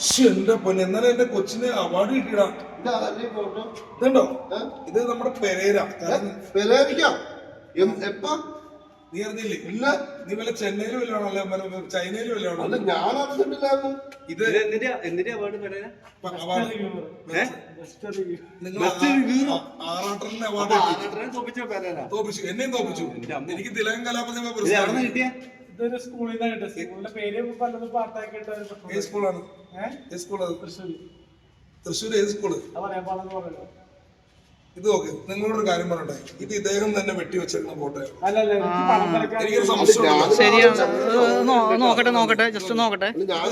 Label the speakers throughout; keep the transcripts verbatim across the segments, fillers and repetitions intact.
Speaker 1: എന്റെ പൊന്നെ എന്നാലും എന്റെ കൊച്ചിന് അവാർഡ് കിട്ടിയടാ. ഇതുണ്ടോ? ഇത് നമ്മുടെ പെരേര.
Speaker 2: പെരേരിക്കാം എപ്പാ
Speaker 1: നീ അറിഞ്ഞില്ലേ? ഇല്ല. നീ വല്ല ചെന്നൈയിലും വല്ലതാണോ ചൈനയിലും വല്ലതാണോ?
Speaker 2: അല്ല ഞാൻ അറിഞ്ഞിട്ടില്ലായിരുന്നു.
Speaker 1: ഇത്
Speaker 3: എന്തിന്റെ അവാർഡ് പെരേര?
Speaker 1: നിങ്ങൾ ആറാട്ടറിന്റെ അവാർഡ് തോപ്പിച്ചു. എന്നെയും തോപ്പിച്ചു. എനിക്ക് തിലകൻ കലാപ്രതിഭ പുരസ്കാരം കിട്ടിയ
Speaker 4: ഇതൊരു സ്കൂളിൽ നിന്നാണ് കിട്ടുക. സ്കൂളിന്റെ പേര് പലതും പാട്ടാക്കി
Speaker 1: ഏത് സ്കൂളാണ്? ഏത് സ്കൂളാണ്?
Speaker 4: തൃശ്ശൂർ.
Speaker 1: തൃശ്ശൂർ ഏത് സ്കൂള്?
Speaker 4: പറയാൻ പാടെന്ന് പറയുന്നത്.
Speaker 1: ഇത് നോക്ക്, നിങ്ങളോടൊരു കാര്യം പറയട്ടെ, ഇത് ഇദ്ദേഹം തന്നെ വെട്ടി വെച്ചിരുന്ന ഫോട്ടോ.
Speaker 4: എനിക്കൊരു
Speaker 1: സംശയം.
Speaker 5: ശരിയാണ്, നോക്കട്ടെ നോക്കട്ടെ ജസ്റ്റ് നോക്കട്ടെ.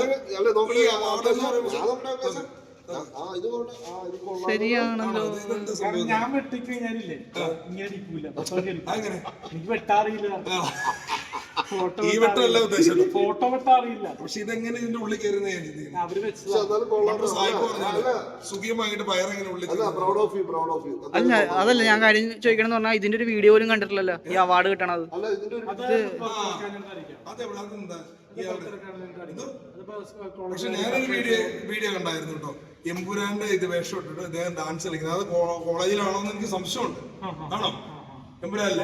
Speaker 5: ശരിയാണല്ലോ.
Speaker 4: ഞാൻ വെട്ടിക്കഴിഞ്ഞാലില്ലേ ഇങ്ങനെ ഇരിക്കൂല. എനിക്ക് വെട്ടാറിയില്ല.
Speaker 1: ഈ വെട്ടമല്ല ഉദ്ദേശിച്ചത്.
Speaker 4: ഫോട്ടോ വെട്ടാറിയില്ല.
Speaker 1: പക്ഷെ ഇതെങ്ങനെ ഇതിന്റെ ഉള്ളിൽ കയറുന്ന
Speaker 4: അവര് വെച്ചത്
Speaker 1: സുഖിയമായിട്ട് പയറെങ്ങനെ ഉള്ളിൽ.
Speaker 5: അല്ല അതല്ല ഞാൻ കാര്യം ചോദിക്കണെന്ന് പറഞ്ഞാൽ ഇതിന്റെ ഒരു വീഡിയോ പോലും കണ്ടിട്ടില്ലല്ലോ ഈ അവാർഡ് കിട്ടണത്.
Speaker 1: പക്ഷെ ഞാനൊരു വീഡിയോ വീഡിയോ കണ്ടായിരുന്നു കേട്ടോ. എമ്പുരാന്റെ ഇത് വേഷം ഇട്ടിട്ട് ഇദ്ദേഹം ഡാൻസ് കളിക്കുന്നത്. അത് കോളേജിലാണോ എന്ന് എനിക്ക് സംശയമുണ്ട്. ആണോ? എമ്പുരാനല്ലേ?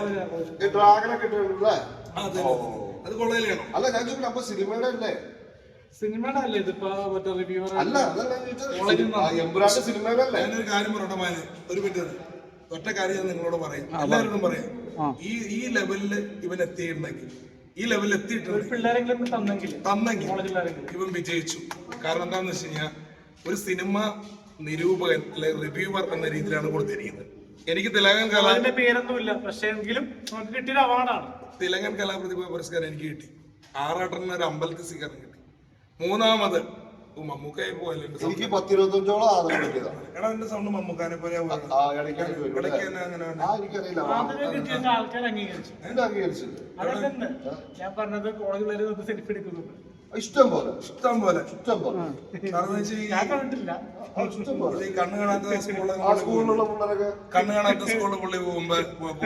Speaker 1: അത് കോളേജിലാണോ?
Speaker 2: അല്ല ഞാൻ ചോദിക്കട്ടെ, അപ്പൊ സിനിമയുടെ അല്ലേ?
Speaker 4: സിനിമയുടെ അല്ലേ ഇതിപ്പോ മറ്റേ റിവ്യൂവർ
Speaker 2: അല്ല എമ്പുരാന്റെ സിനിമയുടെ അല്ലേ?
Speaker 1: ഞാനൊരു കാര്യം പറയട്ടെ മാന്, ഒരു മിനിറ്റ്. ഒറ്റ കാര്യം ഞാൻ നിങ്ങളോട് പറയാം, എല്ലാവരോടും പറയാം. ഈ ഈ ലെവലില് ഇവൻ എത്തിയിട്ടുണ്ടെങ്കിൽ, ഈ ലെവലിൽ എത്തിയിട്ടുണ്ടെങ്കിൽ തന്നെങ്കിൽ ഇവൻ വിജയിച്ചു. കാരണം എന്താണെന്ന് വെച്ച് കഴിഞ്ഞാൽ ഒരു സിനിമ നിരൂപകൻ അല്ലെ റിവ്യൂവർ എന്ന രീതിയിലാണ് കൊടുത്തിരിക്കുന്നത്. എനിക്ക് തിലകൻ കലാ
Speaker 4: പേരൊന്നുമില്ല, പക്ഷേ എങ്കിലും നമുക്ക് കിട്ടിയൊരു അവാർഡാണ്.
Speaker 1: തിലകൻ കലാപ്രതിഭ പുരസ്കാരം എനിക്ക് കിട്ടി. ആറാട്ടറിന് ഒരു അമ്പലത്തിൽ സ്വീകരണം കിട്ടി. മൂന്നാമത് മമ്മൂക്കായി പോലെ
Speaker 2: എനിക്ക് പത്തിരുപത്തഞ്ചോളം ആദരം കിട്ടിയതാണ്.
Speaker 1: എടാ എന്റെ സൗണ്ട് മമ്മൂക്കാനെ പോലെ
Speaker 4: ആൾക്കാർ അംഗീകരിച്ചു. ഞാൻ പറഞ്ഞത് കോളേജിൽ സെൽഫി എടുക്കുന്നുണ്ട്.
Speaker 2: ഇഷ്ടം പോലെ
Speaker 1: ഇഷ്ടം പോലെ
Speaker 2: ഇഷ്ടം പോലെ
Speaker 4: ഞാൻ കണ്ടിട്ടില്ല.
Speaker 1: കണ്ണ് കാണാത്ത
Speaker 2: സ്കൂളിലുള്ള പിള്ളേരൊക്കെ
Speaker 1: കണ്ണ് കാണാത്ത സ്കൂളിൽ പുള്ളി പോകുമ്പോ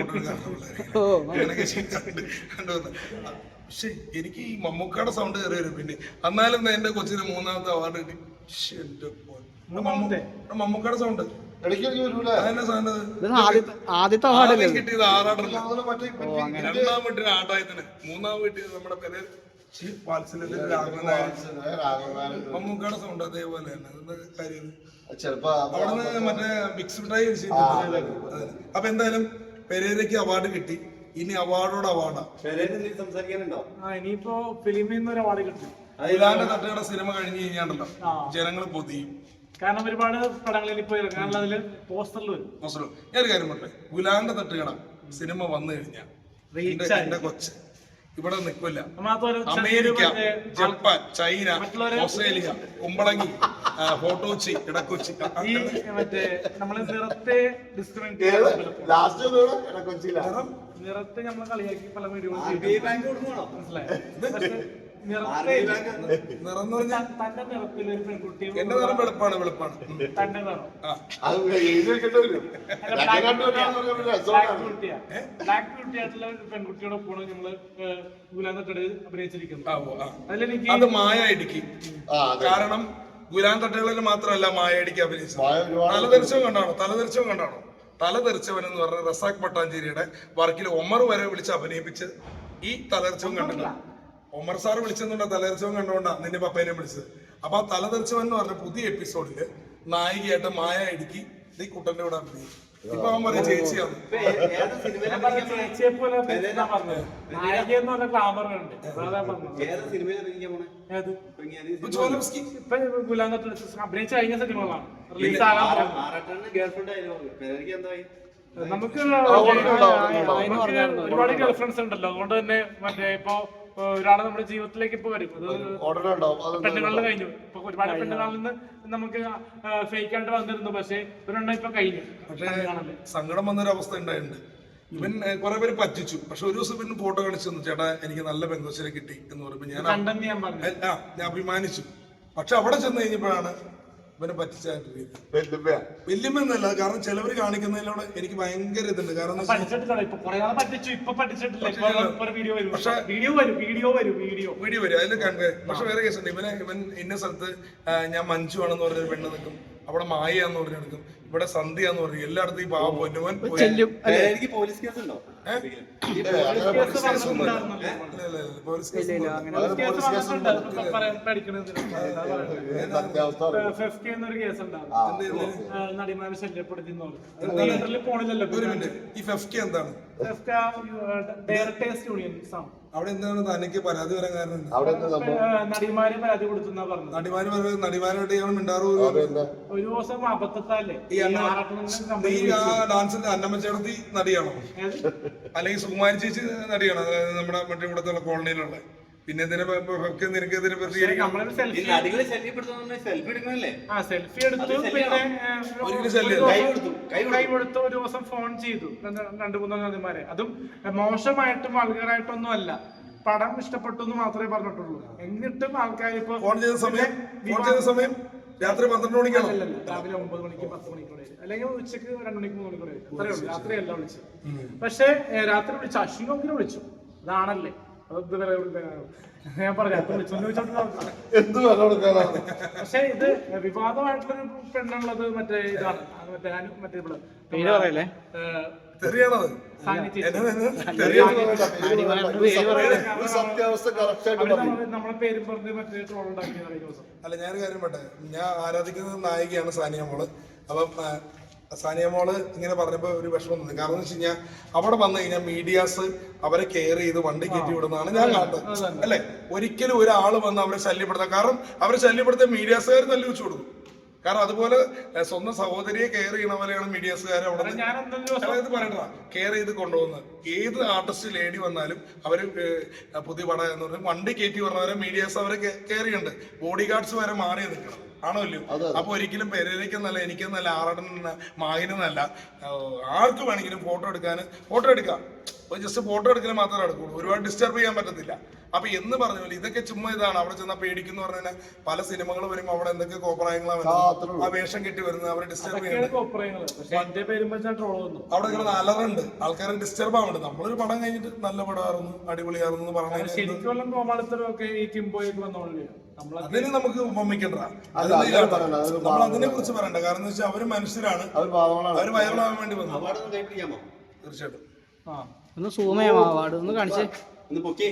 Speaker 1: കണ്ടുവന്ന്. പക്ഷെ എനിക്ക് ഈ മമ്മൂക്കയുടെ സൗണ്ട് കയറി വരും. പിന്നെ എന്നാലും എന്റെ കൊച്ചിന് മൂന്നാമത്തെ അവാർഡ് കിട്ടി. മമ്മൂക്കയുടെ സൗണ്ട്
Speaker 5: ആദ്യത്തെ അവാർഡ്
Speaker 1: കിട്ടിയത് ആറാട്ടല്ല. രണ്ടാം വീട്ടിന് ആട്ടായത്തിന്, മൂന്നാം വീട്ടിൽ നമ്മുടെ പേര് മമ്മൂക്കയുടെ സൗണ്ട് അതേപോലെ തന്നെ കാര്യം. അവിടുന്ന് മറ്റേ മിക്സ് മിഠായി. അപ്പൊ എന്തായാലും പെരേരയ്ക്ക് അവാർഡ് കിട്ടി. ഇനി അവാർഡോട് അവാർഡാ.
Speaker 4: ഇനിയിപ്പോ ഫിലിമിൽ നിന്ന് ഒരു അവാർഡ് കിട്ടും.
Speaker 1: ഗുലാന്റെ തട്ടയുടെ സിനിമ കഴിഞ്ഞ് കഴിഞ്ഞാണ്ടല്ലോ ജനങ്ങൾ പൊതിയും.
Speaker 4: കാരണം ഒരുപാട് പടങ്ങളിൽ ഇപ്പൊ ഇറങ്ങാനുള്ള അതില് പോസ്റ്ററിൽ വരും.
Speaker 1: പോസ്റ്റർ ഞാനൊരു കാര്യം പറയട്ടെ, ഗുലാന്റെ തട്ടുകട സിനിമ വന്നു കഴിഞ്ഞാൽ എന്റെ കൊച്ച് ഇവിടെ നിൽക്കില്ല. America, Japan, China, Australia, Kumbalangi, ഫോട്ടോച്ചി, ഇടക്കൊച്ചി.
Speaker 4: ഈ മറ്റേ നമ്മള് നിറത്തെ നിറത്തെ നമ്മള് കളിയാക്കി പല വീഡിയോകളും മനസ്സിലായി.
Speaker 1: നിറം
Speaker 4: തന്റെ നിറത്തിൽ ഒരു പെൺകുട്ടി,
Speaker 1: എന്റെ നിറം വെളുപ്പാണ് വെളുപ്പാണ്
Speaker 4: തന്റെ നിറം ബ്ലാക്ക് ബ്യൂട്ടി ആയിട്ടുള്ള ഒരു പെൺകുട്ടിയുടെ കൂടെ നമ്മള് ഗുലാന്തട്ടട അഭിനയിച്ചിരിക്കുന്നത്. അതിലെനിക്ക്
Speaker 1: അത് മായ ഇടുക്കി. കാരണം ഗുലാൻ തട്ടകളിൽ മാത്രമല്ല മായ ഇടുക്കി അഭിനയിച്ചത്. തലതെറിച്ചവും കണ്ടാണോ? തലതെറിച്ചവും കണ്ടാണോ? തലതെറിച്ചവൻ എന്ന് പറഞ്ഞ റസാഖ് പട്ടാഞ്ചേരിയുടെ വർക്കിൽ ഒമർ വരെ വിളിച്ച് അഭിനയിപ്പിച്ച് ഈ തലതെറിച്ചവും കണ്ടിട്ടില്ല. ഒമർ സാർ വിളിച്ചെന്നുണ്ട തലതെറിച്ചവൻ കണ്ടുകൊണ്ടാ നിന്റെ പപ്പേനെ വിളിച്ചത്. അപ്പൊ ആ തലതെറിച്ചവൻ എന്ന് പറഞ്ഞ പുതിയ എപ്പിസോഡില് നായികയായിട്ട് മായ ഇടുക്കി ഈ കുട്ടന്റെ കൂടെ അഭിനയിക്കും. ഇപ്പൊ അവൻ പറയും ചേച്ചിയാണ്.
Speaker 4: ചേച്ചിയെ പോലെ അഭിനയിച്ച കഴിഞ്ഞ സിനിമകളാണ് റിലീസ് ആകാൻ. നമുക്ക് ഒരുപാട് ഗേൾ ഫ്രണ്ട്സ് ഉണ്ടല്ലോ. അതുകൊണ്ട് തന്നെ മറ്റേ ഇപ്പൊ ഒരാളെ നമ്മുടെ ജീവിതത്തിലേക്ക് ഇപ്പൊ വരും. പെണ്ണുകളിൽ കഴിഞ്ഞു. ഇപ്പൊ ഒരുപാട് പെണ്ണുകളിൽ നിന്ന് നമുക്ക് ഫേക്ക് ആയിട്ട് വന്നിരുന്നു. പക്ഷെ ഒരെണ്ണം ഇപ്പൊ കഴിഞ്ഞു.
Speaker 1: പക്ഷേ സങ്കടം വന്നൊരു അവസ്ഥ ഉണ്ടായിട്ടുണ്ട്. ഇവൻ കുറെ പേര് പറ്റിച്ചു. പക്ഷെ ഒരു ദിവസം ഇവന് ഫോട്ടോ കാണിച്ചു തന്നു, ചേട്ടാ എനിക്ക് നല്ല പെങ്കൊച്ചിനെ കിട്ടി എന്ന് പറയുമ്പോ ഞാൻ ഞാൻ അഭിമാനിച്ചു. പക്ഷെ അവിടെ ചെന്ന് കഴിഞ്ഞപ്പോഴാണ് ഇവനെ പറ്റിച്ചായിട്ട് രീതി
Speaker 2: വെല്ലുവിളിയാ.
Speaker 1: വല്യമെന്നല്ല, കാരണം ചിലവർ കാണിക്കുന്നതിലൂടെ എനിക്ക് ഭയങ്കര ഇതുണ്ട്. കാരണം എന്താ വെച്ചാ
Speaker 4: പഠിച്ചിട്ടില്ല ഇപ്പൊ കുറെ നാളെ പറ്റിച്ചു, ഇപ്പൊ പഠിച്ചിട്ടില്ല. ഇപ്പൊ വീഡിയോ വരും, വീഡിയോ വരും, വീഡിയോ വരും, വീഡിയോ
Speaker 1: വീഡിയോ വരും, അതിൽ കണ്ടേ. പക്ഷെ വേറെ കേസുണ്ട്, ഇവനെ ഇവൻ ഇന്ന സ്ഥലത്ത് ആ, ഞാൻ മഞ്ജു ആണെന്ന് പറഞ്ഞൊരു പെണ്ണ് നിൽക്കും, അവിടെ മായാന്ന് പറഞ്ഞു എടുക്കും, ഇവിടെ സന്ധ്യാന്ന് പറഞ്ഞു, എല്ലായിടത്തും ഈ പാവ പൊന്നുവൻ
Speaker 5: ചെല്ലും അല്ലേ?
Speaker 3: എനിക്ക് പോലീസ് കേസ് ഉണ്ടോ?
Speaker 2: ഏ, അങ്ങനെ
Speaker 1: പോലീസ് കേസൊന്നും ഇല്ല. ഇല്ല, ഇല്ല, ഇല്ല, പോലീസ് കേസ് ഒന്നും ഇല്ല.
Speaker 2: അത് പോലീസ് കേസ് ഉണ്ട്. സത്യാവസ്ഥ അറിയാം.
Speaker 4: ഫെഫ്റ്റി എന്നൊരു കേസ്
Speaker 2: ആ,
Speaker 4: ഉണ്ടാവും, നടിമാരെ ശല്യപ്പെടുത്തി തിയേറ്ററിൽ പോണില്ലല്ലോ.
Speaker 1: ഒരു മിനിറ്റ്, ഈ ഫെഫ്റ്റി എന്താണ്?
Speaker 4: ഡയറക്ടേഴ്സ് യൂണിയൻ
Speaker 1: അവിടെ എന്താണ് തനിക്ക് പരാതി വരാൻ കാരണം എന്താ?
Speaker 2: അവിടെ എന്താ സംഭവം?
Speaker 4: നടിമാരെ പരാതി കൊടുത്തെന്നാ പറഞ്ഞത്.
Speaker 1: നടിമാര് പറയുന്നത് നടിമാരോട്ട് ഞങ്ങൾ മിണ്ടാറു.
Speaker 2: അതെന്താ?
Speaker 4: ഒരു ദിവസം അബദ്ധത്താലേ
Speaker 1: ഈ അന്ന- നീ ആ ഡാൻസിന്റെ അന്നമ്മച്ചേടത്തി നടിയാണോ, അല്ലെങ്കിൽ സുകുമാരി ചേച്ചി നടിയാണോ? അതായത് നമ്മുടെ മറ്റേ ഇവിടത്തുള്ള കോളനിയിലുള്ള. പിന്നെ എന്തിനാ നിനക്ക് ഇതിനെ പ്രതികരിക്കണം?
Speaker 4: നമ്മളൊരു
Speaker 3: ഈ
Speaker 4: സെൽഫി
Speaker 3: നടികളെ ശല്യപ്പെടുത്തുന്ന സെൽഫി എടുക്കണല്ലേ?
Speaker 4: ആ സെൽഫി എടുത്തു, പിന്നെ ഏഹ്,
Speaker 1: ഒരിക്കലും
Speaker 4: ഒരു
Speaker 1: ശല്യം.
Speaker 4: ദിവസം
Speaker 3: കൈ കൊടുത്തു, കൈ
Speaker 4: കൈ കൊടുത്ത് ഒരു ദിവസം ഫോൺ ചെയ്തു രണ്ട് രണ്ട് മൂന്ന് നദിമാരെ. അതും മോശമായിട്ടും വൾഗറായിട്ടൊന്നും അല്ല, പടം ഇഷ്ടപ്പെട്ടു എന്ന് മാത്രമേ പറഞ്ഞിട്ടുള്ളൂ. എന്നിട്ടും ആൾക്കാർ ഇപ്പൊ
Speaker 1: ഫോൺ ചെയ്ത സമയം ഫോൺ ചെയ്ത സമയം രാത്രി പന്ത്രണ്ട് മണിക്കാണോ?
Speaker 4: അല്ലല്ല, രാവിലെ ഒമ്പത് മണിക്ക് പത്ത് മണിക്കൂടെ അല്ലെങ്കിൽ ഉച്ചക്ക് രണ്ടു മണിക്ക് മൂന്ന് മണിക്കൂടെ അത്രേ ഉള്ളൂ. രാത്രിയല്ല വിളിച്ചു. പക്ഷേ ഏഹ്, രാത്രി വിളിച്ചു, അശ്വിനോക്കിനെ വിളിച്ചു. അതാണല്ലേ അത് ഇതുവരെ ഞാൻ പറഞ്ഞു, രാത്രി വിളിച്ചു ചോദിച്ചോണ്ട്.
Speaker 2: എന്ത് വില കൊടുക്കാനാണ്?
Speaker 4: പക്ഷെ ഇത് വിവാദമായിട്ടുള്ളൊരു പെണ്ണുള്ളത് മറ്റേ ഇതാണ്, അത് മറ്റേ അനു- മറ്റേ ഇവള്
Speaker 5: പേര് പറയല്ലേ?
Speaker 4: ഏഹ്,
Speaker 1: തെറിയാണത്.
Speaker 4: സാനി ചേച്ചി.
Speaker 1: എന്നെ തന്നെ
Speaker 2: പേര് പറയണ്ട, പേര് പറയണ്ട. ഒരു സത്യാവസ്ഥ കറക്റ്റ് ആയിട്ട്
Speaker 4: അവര്
Speaker 2: പറയും.
Speaker 4: നമ്മളെ- നമ്മളെ പേരും പറഞ്ഞ് മറ്റേ ട്രോൾ ഉണ്ടാക്കിയത് കഴിഞ്ഞ ദിവസം.
Speaker 1: അല്ല, ഞാനൊരു കാര്യം പറട്ടെ, ഞാൻ ആരാധിക്കുന്ന നായികയാണ് സാനിയ മോള്. അപ്പം ആ, സാനിയ മോള് ഇങ്ങനെ പറഞ്ഞപ്പോ ഒരു വിഷമം തോന്നി. കാരണം എന്ന് വെച്ച് കഴിഞ്ഞാൽ അവിടെ വന്നു കഴിഞ്ഞാൽ മീഡിയാസ് അവരെ കെയർ ചെയ്ത് വണ്ടി കയറ്റി വിടുന്നതാണ് ഞാൻ കാണുന്നത്, അല്ലെ? ഒരിക്കലും ഒരാൾ വന്ന് അവരെ ശല്യപ്പെടുത്താം. കാരണം അവരെ ശല്യപ്പെടുത്താൻ മീഡിയാസുകാർ തല്ലി വെച്ചു കൊടുക്കും. കാരണം അതുപോലെ ഏഹ്, സ്വന്തം സഹോദരിയെ കെയർ ചെയ്യണ പോലെയാണ് മീഡിയാസുകാർ അവിടെ നിന്ന്
Speaker 4: ഞാൻ എന്തൊരു ദിവസം
Speaker 1: അതായത് പറയണതാ കെയർ ചെയ്ത് കൊണ്ടുപോകുന്നത്. ഏത് ആർട്ടിസ്റ്റ് ലേഡി വന്നാലും അവര് ഏഹ്, പുതിയ പടം എന്ന് പറഞ്ഞാൽ വണ്ടി കയറ്റി പറഞ്ഞവരെ മീഡിയാസ് അവരെ കെയർ ചെയ്യുന്നുണ്ട്. ബോഡി ഗാർഡ്സ് വരെ മാറി നിൽക്കണം, ആണോ ഇല്ലയോ? അപ്പൊ ഒരിക്കലും പെരേരയ്ക്കെന്നല്ല, എനിക്കെന്നല്ല, ആറടനല്ല, മാഹിനെന്നല്ല, ആർക്ക് വേണമെങ്കിലും ഫോട്ടോ എടുക്കാൻ ഫോട്ടോ എടുക്കാം. ജസ്റ്റ് ഫോട്ടോ എടുക്കാൻ മാത്രമേ എടുക്കുള്ളൂ, ഒരുപാട് ഡിസ്റ്റർബ് ചെയ്യാൻ പറ്റത്തില്ല. അപ്പൊ എന്ന് പറഞ്ഞ പോലെ ഇതൊക്കെ ചുമ്മാ ഇതാണ്. അവിടെ ചെന്നാൽ പേടിക്കുന്ന പറഞ്ഞു കഴിഞ്ഞാൽ പല സിനിമകൾ വരുമ്പോൾ അവിടെ എന്തൊക്കെ കോപ്രായങ്ങളാണ് ആ വേഷം കെട്ടി വരുന്നത്, അവരെ ഡിസ്റ്റർബ് ചെയ്യുന്നത്.
Speaker 4: കോപ്പറയങ്ങള്. പക്ഷെ എന്റെ പേരും വെച്ചാൽ ട്രോൾ വന്നു.
Speaker 1: അവിടെ കിടന്ന് അലറുണ്ട്, ആൾക്കാരെ ഡിസ്റ്റർബ് ആവുന്നുണ്ട്. നമ്മളൊരു പടം കഴിഞ്ഞിട്ട് നല്ല പടമായിരുന്നു, അടിപൊളിയായിരുന്നു എന്ന് പറഞ്ഞു
Speaker 4: ശരിക്കുള്ള കോമാളിത്തരം ഒക്കെ ഈ കിംബോയ്ക്ക് വന്നോളൂ. നമ്മളെ
Speaker 1: അതിന് നമുക്ക് ഉപമിക്കണ്ട.
Speaker 2: അല്ല, അങ്ങനെ പറയണ്ട, അതൊരു
Speaker 1: നമ്മൾ അതിനെ കുറിച്ച് പറയണ്ട. കാരണം എന്ന് വെച്ചാൽ അവര് മനുഷ്യരാണ്,
Speaker 2: അവർ പാവങ്ങളാണ്.
Speaker 1: അവര് വൈറലാവാൻ വേണ്ടി വന്നു.
Speaker 3: അവാർഡ് ഒന്ന് കൈ പിടിക്കാമോ?
Speaker 1: തീർച്ചയായിട്ടും.
Speaker 4: ആ
Speaker 5: ഒന്ന് സൂം ചെയ്യാം, അവാർഡ് ഒന്ന് കാണിച്ചേ.
Speaker 3: ഒന്ന് പൊക്കി.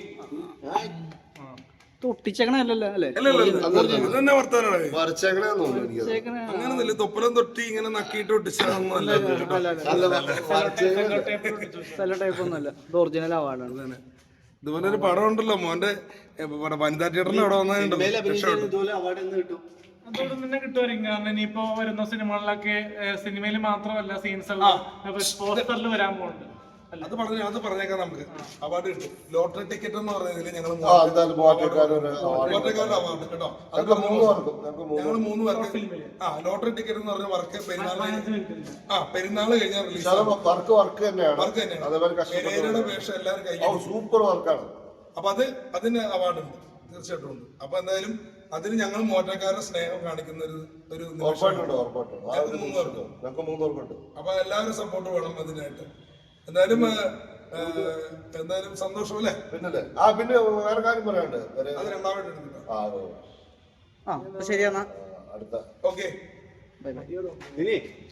Speaker 5: തൊട്ടിച്ചേക്കണല്ലോ അല്ലേ?
Speaker 1: അല്ല അല്ല അല്ല, ഇത് തന്നെ വർത്താനാണ്.
Speaker 2: വരച്ചേക്കണേന്ന് തോന്നുന്നു എനിക്ക്.
Speaker 5: ചേക്കണ
Speaker 1: അങ്ങനൊന്നുമില്ല, തൊപ്പലം തൊട്ടി ഇങ്ങനെ നക്കിയിട്ട് ഒട്ടിച്ചതൊന്നും അല്ല.
Speaker 2: അല്ല, വരച്ചേക്കണ
Speaker 5: സെല്ലോ ടൈപ്പ് ഒന്നുമല്ല, ഇത് ഒറിജിനൽ അവാർഡാണ്.
Speaker 1: ഇതുപോലെ ഒരു പടം ഉണ്ടല്ലോ മോന്റെ ഏ, ഇവിടെ വനിതാ തിയേറ്ററിൽ അവിടെ വന്നിട്ടുണ്ടോ?
Speaker 3: സിനിമയിൽ അഭിനയിച്ചതിന് ഇതുപോലെ അവാർഡ് എന്ന് കിട്ടും.
Speaker 4: അതോടെ തന്നെ കിട്ടുമായിരിക്കും. കാരണം ഇനിയിപ്പോ വരുന്ന സിനിമകളിലൊക്കെ സിനിമയിൽ മാത്രമല്ല സീൻസ് എല്ലാം പോസ്റ്ററിൽ വരാൻ പോകുന്നുണ്ട്.
Speaker 1: അത് പറഞ്ഞു അത് പറഞ്ഞേക്കാം. നമുക്ക് അവാർഡ് കിട്ടും. ലോട്ടറി ടിക്കറ്റ് എന്ന് പറയുന്നതിൽ ഞങ്ങൾ
Speaker 2: ആ, എന്തായാലും മോട്ടോക്കാരൊരു award.
Speaker 1: ലോട്ടറിക്കാരുടെ അവാർഡ് കേട്ടോ. അത്
Speaker 2: ഞങ്ങൾക്ക് മൂന്ന് പേർക്കും ഞങ്ങൾക്ക് മൂന്ന്
Speaker 1: ഞങ്ങൾ മൂന്ന് പേർക്ക് ആ ലോട്ടറി ടിക്കറ്റ് എന്ന് പറഞ്ഞ വർക്ക് പെരുന്നാൾ ആ പെരുന്നാൾ കഴിഞ്ഞാൽ റിലീസ്
Speaker 2: പക്ഷെ അത് വർക്ക് വർക്ക് തന്നെയാണ്.
Speaker 1: വർക്ക് തന്നെയാണ്.
Speaker 2: അതേപോലെ കഷ്ടപ്പെട്ട
Speaker 1: പെരേരയുടെ വേഷം എല്ലാവരും
Speaker 2: ഓ,
Speaker 1: കഴിഞ്ഞു.
Speaker 2: സൂപ്പർ വർക്കാണ്.
Speaker 1: അപ്പൊ അത് അതിന് അവാർഡ് ഉണ്ട്, തീർച്ചയായിട്ടും ഉണ്ട്. അപ്പൊ എന്തായാലും അതിന് ഞങ്ങൾ മോറ്റക്കാരുടെ സ്നേഹം കാണിക്കുന്ന ഒരു ഒരു നിമിഷമാണ്.
Speaker 2: ഉറപ്പായിട്ടുണ്ട്, ഉറപ്പായിട്ടുണ്ട്. ആ ഒരു
Speaker 1: ഞങ്ങൾക്ക് മൂന്ന്
Speaker 2: നിമിഷം
Speaker 1: പേർക്കും.
Speaker 2: ഞങ്ങൾക്ക് മൂന്ന് പേർക്കുണ്ട്.
Speaker 1: അപ്പൊ എല്ലാവരും സപ്പോർട്ട് വേണം അതിനായിട്ട്. എന്തായാലും ഏ, ഏ, എന്തായാലും സന്തോഷം അല്ലേ?
Speaker 2: പിന്നല്ലേ ആ പിന്നെ വേറെ കാര്യം പറയാനുണ്ട്. ഒരു-
Speaker 1: അത് രണ്ടാമത് എടുത്തിട്ടോ.
Speaker 2: ആ, അതെ.
Speaker 5: ആ, അപ്പൊ ശരിയെന്നാ.
Speaker 2: ആ, അടുത്ത
Speaker 1: ഓക്കെ.
Speaker 5: Bye bye.
Speaker 3: ഇനി